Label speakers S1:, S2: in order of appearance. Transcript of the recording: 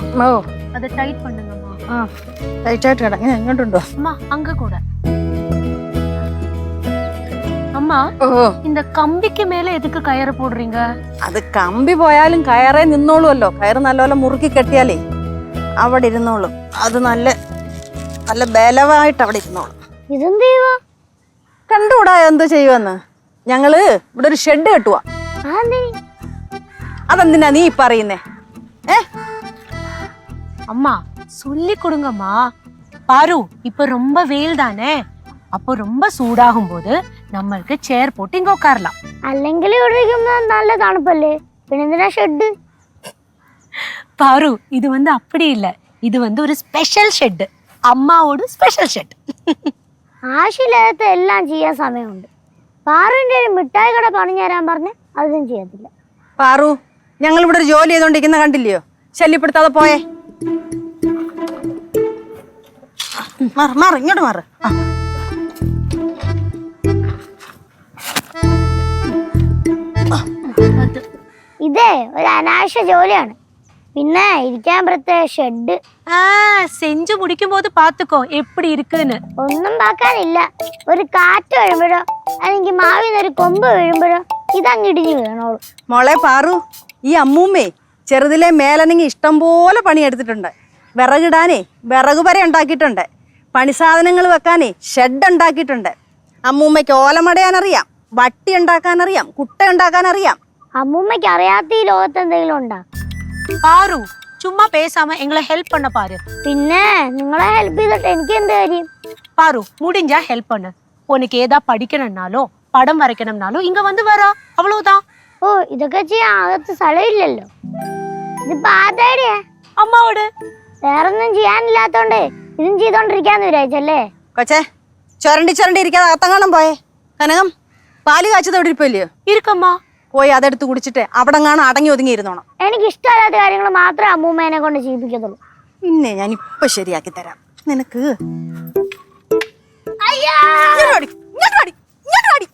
S1: ഓ
S2: அதை tight பண்ணுங்கம்மா.
S1: Tight ആയിട്ട് കിടങ്ങ എങ്ങോട്ടുണ്ടോ
S2: அம்மா அங்க கூட. அம்மா
S1: ഓ
S2: இந்த கம்பிக்கு மேல எதுக்கு கயிறு போடுறீங்க?
S1: അത് കമ്പി പോയാലും കയറേ നിന്നോളുമല്ലോ. കയറ് നല്ലപോലെ മുറുക്കി കെട്ടിയാലേ അവിടെ ഇരുന്നോളും. അത് നല്ല നല്ല ബലമായിട്ട് അവിടെ ഇരുന്നോളും.
S3: ഇതെന്ത് ചെയ്യുവാ?
S1: കണ്ടുകൂടാ എന്ത് ചെയ്യുമെന്ന്. ഞങ്ങള് ഇവിടെ ഒരു ഷെഡ് കെട്ടുവാ. അതെന്തിനാ നീ പറയുന്നേ?
S2: அம்மா சொல்லி கொடுங்கம்மா. பாரு இப்ப ரொம்ப வெயில் தானே, அப்போ ரொம்ப சூடாகும் போது നമ്മൾക്ക് ചെയർ പോട്ട് ഇങ്ങ ഉட்காரலாம்.
S3: അല്ലെങ്കിൽ ഇവിടെ ഇരിക്കുമ്പോ നല്ല തണുപ്പല്ലേ, പിന്നെന്തിനാ ഷെഡ്?
S2: பாரு இது வந்து அப்படி இல்ல, இது வந்து ஒரு ஸ்பெஷல் ഷെഡ്, അമ്മാവോട് സ്പെഷ്യൽ ഷെഡ്.
S3: ആവശ്യമില്ലാത്ത എല്ലാം ചെയ്യാൻ സമയമുണ്ട്. പാറുവിന്റെ ഒരു മിഠായി കട പണിഞ്ഞു തരാൻ പറഞ്ഞ് അതൊന്നും ചെയ്യത്തില്ല.
S1: പാറു, ഞങ്ങൾ ഇവിടെ ഒരു ജോലി ചെയ്തോണ്ടിരിക്കുന്ന കണ്ടില്ലയോ? ശല്യപ്പെടുത്താതെ പോയേ. മാറ് ഇങ്ങോട്ട് മാറ്.
S3: ഇതേ ഒരു അനാവശ്യ ജോലിയാണ്. പിന്നെ ഇരിക്കാൻ പ്രത്യേക ഷെഡ്.
S2: செஞ்சு முடிக்கும் போது பாத்துக்கோ எப்படி இருக்குன்னு.
S3: ഒന്നും പാക്കാനില്ല. ഒരു കാറ്റ് വീഴുമ്പോഴോ അല്ലെങ്കിൽ മാവിൽ ഒരു കൊമ്പ് വീഴുമ്പോഴോ ഇതങ്ങ് ഇടിഞ്ഞു വീണോളൂ.
S1: മോളെ പാറു, ഈ അമ്മൂമ്മേ ചെറുതിലെ മേലനങ്ങി ഇഷ്ടം പോലെ പണിയെടുത്തിട്ടുണ്ട്. വിറകിടാനേ വിറക് വരെ ഉണ്ടാക്കിയിട്ടുണ്ട്. പണിസാധനങ്ങൾ വെക്കാനേ ഷെഡ് ഉണ്ടാക്കിയിട്ടുണ്ട്. അമ്മൂമ്മയ്ക്ക് ഓലമടയാനറിയാം, വട്ടി ഉണ്ടാക്കാനറിയാം, കുട്ട ഉണ്ടാക്കാനറിയാം.
S3: അമ്മൂമ്മയ്ക്ക് അറിയാത്ത ഈ ലോകത്ത് എന്തെങ്കിലും ഉണ്ടാ?
S2: பாரு சும்மா பேசாம எங்களை ஹெல்ப் பண்ண பாரு.
S3: പിന്നെ നിങ്ങളെ ഹെൽപ്പ് ചെയ്തിട്ട് എനിക്ക് എന്ത് കാര്യം?
S2: பாரு முடிஞ்சா ஹெல்ப் பண்ணு. உனக்கு ஏதா படிக்கணும்னாலோ படம் வரைக்கணும்னாலோ இங்க வந்து வரா, அவ்வளவுதான்.
S3: ഓ, ഇതൊക്കെ ചെയ്യാൻ അകത്ത് സ്ഥലമില്ലല്ലോ. ഇതിപ്പോ ആരുടെയാ?
S2: അമ്മാവോട്.
S3: വേറൊന്നും ചെയ്യാനില്ലാത്തോണ്ട് ഇതും ചെയ്തോണ്ടിരിക്കാന്ന് വിചാരിച്ചല്ലേ?
S1: കൊച്ചേ, ചുരണ്ടി ഇരിക്കാതെ അകത്തങ്ങാണം പോയേ. കനകം, പാല് കാച്ചത് എവിടെ ഇരിപ്പല്ലയോ?
S2: இருக்கம்மா.
S1: പോയി അതെടുത്ത് കുടിച്ചിട്ട് അവിടെ കാണാൻ അടങ്ങി ഒതുങ്ങിയിരുന്നോണം.
S3: എനിക്ക് ഇഷ്ടമല്ലാത്ത കാര്യങ്ങൾ മാത്രമേ അമ്മൂമ്മേനെ കൊണ്ട് ചെയ്യിപ്പിക്കത്തുള്ളൂ.
S1: പിന്നെ ഞാൻ ഇപ്പൊ ശരിയാക്കി തരാം നിനക്ക്.
S3: അയ്യോ,
S1: ഇങ്ങോട്ട് വാടി, ഇങ്ങോട്ട് വാടി, ഇങ്ങോട്ട് വാടി.